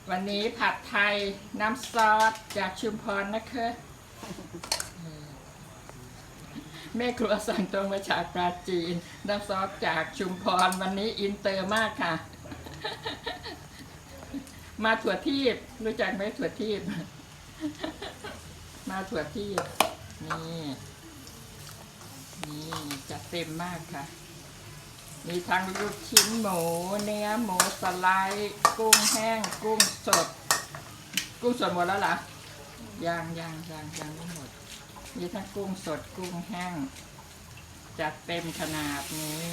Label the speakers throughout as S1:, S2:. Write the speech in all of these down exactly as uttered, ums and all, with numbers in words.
S1: วันนี้ผัดไทยน้ำซอสจากชุมพรนะคะแม่ครัวสั่งตรงมาจากปราจีนน้ำซอสจากชุมพรวันนี้อินเตอร์มากค่ะ มาถั่วทีบรู้จักไหมถั่วทีบ มาถั่วทีบนี่นี่จัดเต็มมากค่ะมีทั้งลูกชิ้นหมูเนื้อหมูสไลด์กุ้งแห้งกุ้งสดกุ้งสดหมดแล้วเหรอยังยังยังยังไม่หมดมีทั้งกุ้งสดกุ้งแห้งจัดเต็มขนาดนี้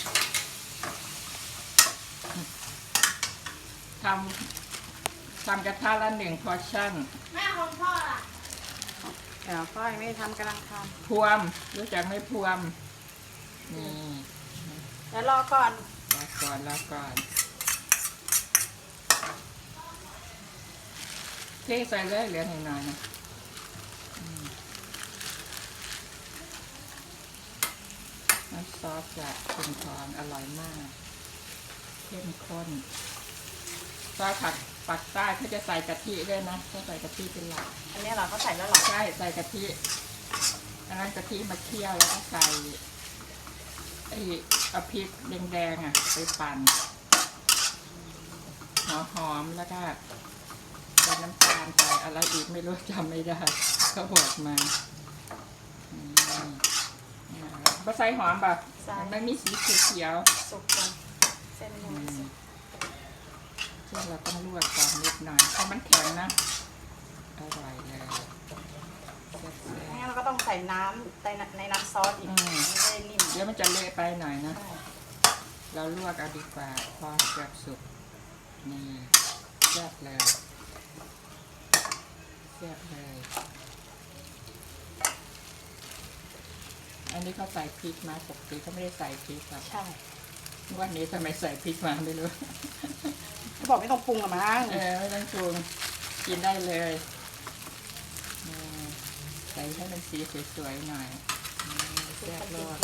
S1: ทำทำกระทะละหนึ่งพอร์ชั่น
S2: แม่ของพ่อล่ะ
S3: เดี๋ยวพ่อยังไม่ทำกำลังท
S1: ำพวมรู้จักไม่พวมนี่
S3: ำแล้วรอก่อน
S1: รอก่อนรอก่อนเทใส่เลยเหลือหน่อยหน่อยนะน้ำซอสจากชุมพรอร่อยมากเข้มข้นซอสผักปักใต้เขาจะใส่กะทิด้วยนะเขาใส่กะทิเป็นหลัก
S3: อันนี้เราก็ใส่แล้วหรอ
S1: ใช่ใส่กะทิอันนั้นกะทิมาเคี่ยวแล้วก็ใส่ไอ้เอาพริกแดงๆอ่ะไปปั่นหอมๆแล้วก็ใส่น้ำตาลใส่อะไรอีกไม่รู้จำไม่ได้เขาบอกมาบะไซหอมแบบไม่มีสีเขียว
S3: สุกกันเส้นหมู
S1: เส้นเราต้องลวกก่อนนิดหน่อยเพราะมันแข็งนะอร่อยเลย
S3: งั้นเราก็ต้องใส่น้ำในในน้ำซอสอีกไม่ได้นิ่ม
S1: เดี๋ยวมันจะเละไปหน่อยนะเราลวกเอาดีกว่าพอเกือบสุกนี่แซ่บเลยแซ่บเลยอันนี้เขาใส่พริกมาปกติเขาไม่ได้ใส่พริกอ่ะ
S3: ใช่
S1: วันนี้ทำไมใส่พริกมาไม่รู้
S3: เขาบอกไม่ต้องปรุงหรอมั้ง
S1: เออไม่ต้องปรุงกินได้เลยใส่ให้มันสีสวยๆหน่อยแซ่บรส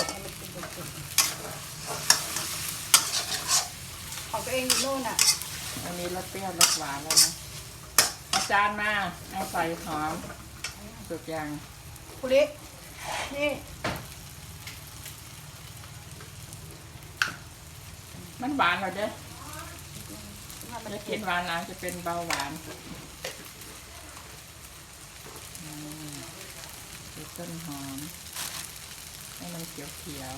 S3: ของตัวเองอยู่นู่นอ่ะ
S1: อันนี้รสเปรี้ยวรสหวานแล้วนะอาจารย์มาเอาใส่หอมสุกยัง
S3: คุรินี่
S1: มันหวานเหรอเด้จะกินหวานหลังจะเป็นเบาหวานใส่ต้นหอมให้มันเขียว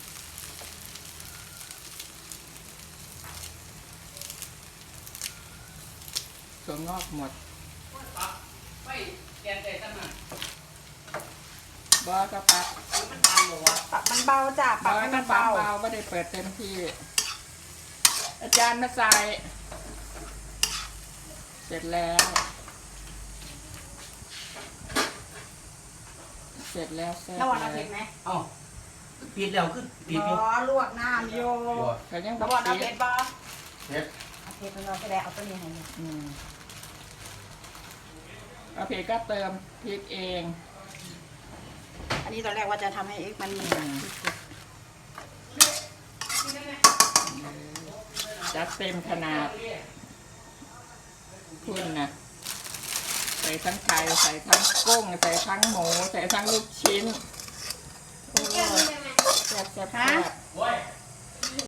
S1: ๆถั่วงอกหมดไม่แกนใจตั้งนบอกระปัก
S3: มันเบาหรอวะปักมันเบาจ้ะปักมันเบา
S1: เบาไม่ได้เปิดเต็มที่อาจารย์มาใส่เสร็จแล้วเสร็จแล้วเสร็จ
S3: แล้ววันเอาเผ็ดไหม
S4: อ๋อปิดแล้วขึ้นปิด
S3: อยู่อ๋อลวกน้ำโย
S1: เขายัง
S3: แล้ววันเอาเผ็ดบ่
S4: เผ็ด
S3: เอาเผ็ดเราจะได้เอาตัวนี้ให้เนี่ย
S1: อืมเอาเผ็ดก็เติมพริกเอง
S3: อันนี้ตอนแรกว่าจะทำให้เอ็กมันมี
S1: จัดเต็มขนาดคุณนะใส่ทั้งไก่ใส่ทั้งกุ้งใส่ทั้งหมูใส่ทั้งลูกชิ้นโอ้แซ่บแซ่บแซ่บ